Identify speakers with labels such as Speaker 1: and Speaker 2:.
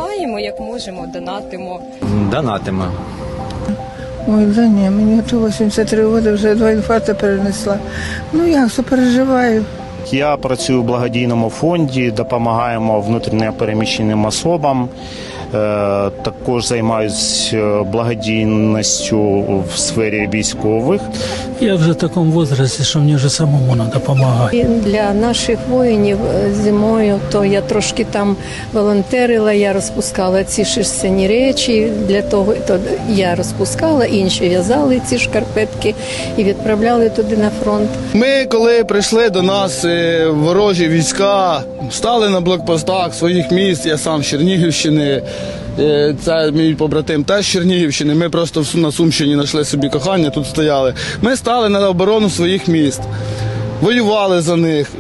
Speaker 1: допомагаємо, як можемо, донатимо.
Speaker 2: Донатимо.
Speaker 3: Ой, да ні, мені 83 роки, вже 2 інфаркти перенесла. Ну як, сопереживаю.
Speaker 4: Я працюю в благодійному фонді, допомагаємо внутрішньо переміщеним особам. Також займаюся благодійністю в сфері військових.
Speaker 5: Я вже в такому віці, що мені вже самому треба допомагати.
Speaker 6: І для наших воїнів зимою, то я трошки там волонтерила, я розпускала ці шерстяні речі, для того то я розпускала, інші в'язали ці шкарпетки і відправляли туди на фронт.
Speaker 7: Ми, коли прийшли до нас ворожі війська, стали на блокпостах своїх міст, я сам з Чернігівщини, це мій побратим теж з Чернігівщини, ми просто на Сумщині знайшли собі кохання, тут стояли. Ми стали на оборону своїх міст, воювали за них.